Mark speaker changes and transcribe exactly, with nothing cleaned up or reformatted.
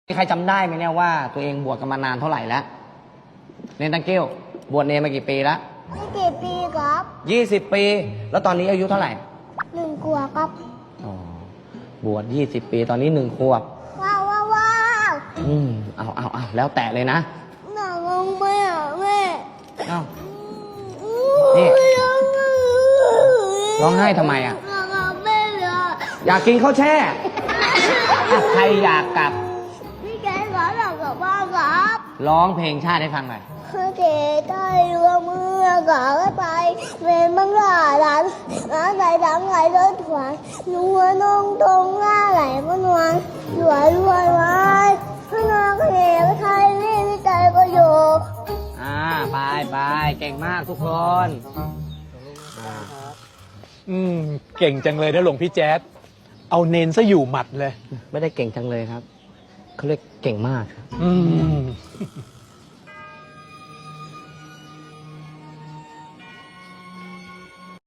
Speaker 1: มีใครจำได้ไหมเนี่ยว่าตัวเองบวชกันมานานเท่าไหร่แล้วเนนตังเกิ้วบวชเนนมากี่ปีแล้ว
Speaker 2: ไม่กี่ปีครับ
Speaker 1: ยี่สิบปีแล้วตอนนี้อายุเท่าไหร่
Speaker 2: หนึ่งขวบครับ
Speaker 1: อ๋อบวชยี่สิบปีตอนนี้หนึ่งขวบ
Speaker 2: ว้าวว้าวว้าว
Speaker 1: อืมเอาเอาเอาแล้วแต่เลยนะ
Speaker 2: หนังลงไม่อ่ะแม่
Speaker 1: เอานี่ร้องไห้ทำไมอ่ะอยากกินข้าวแช่ใครอยากกลับ
Speaker 2: พี่แกขอหลับกับบ้านครับ
Speaker 1: ร้องเพลงชาติให้ฟังหน่อย
Speaker 2: พี่แกได้ร่วมมือกับไปเป็นบังลาหลานหลานใส่ดังไหลรถถวายนัวนงตรงหน้าไหลพนวลรวยรวยไว้พนวลก็เหนไทยนี่ไม่ใจก็อยู่
Speaker 1: อ่าไปไปเก่งมากทุกคน
Speaker 3: อืมเก่งจังเลยนะหลวงพี่แจ๊ดเอาเน้นซะอยู่หมัดเลย
Speaker 1: ไม่ได้เก่งจังเลยครับเขาเรียกเก่งมาก
Speaker 3: อืม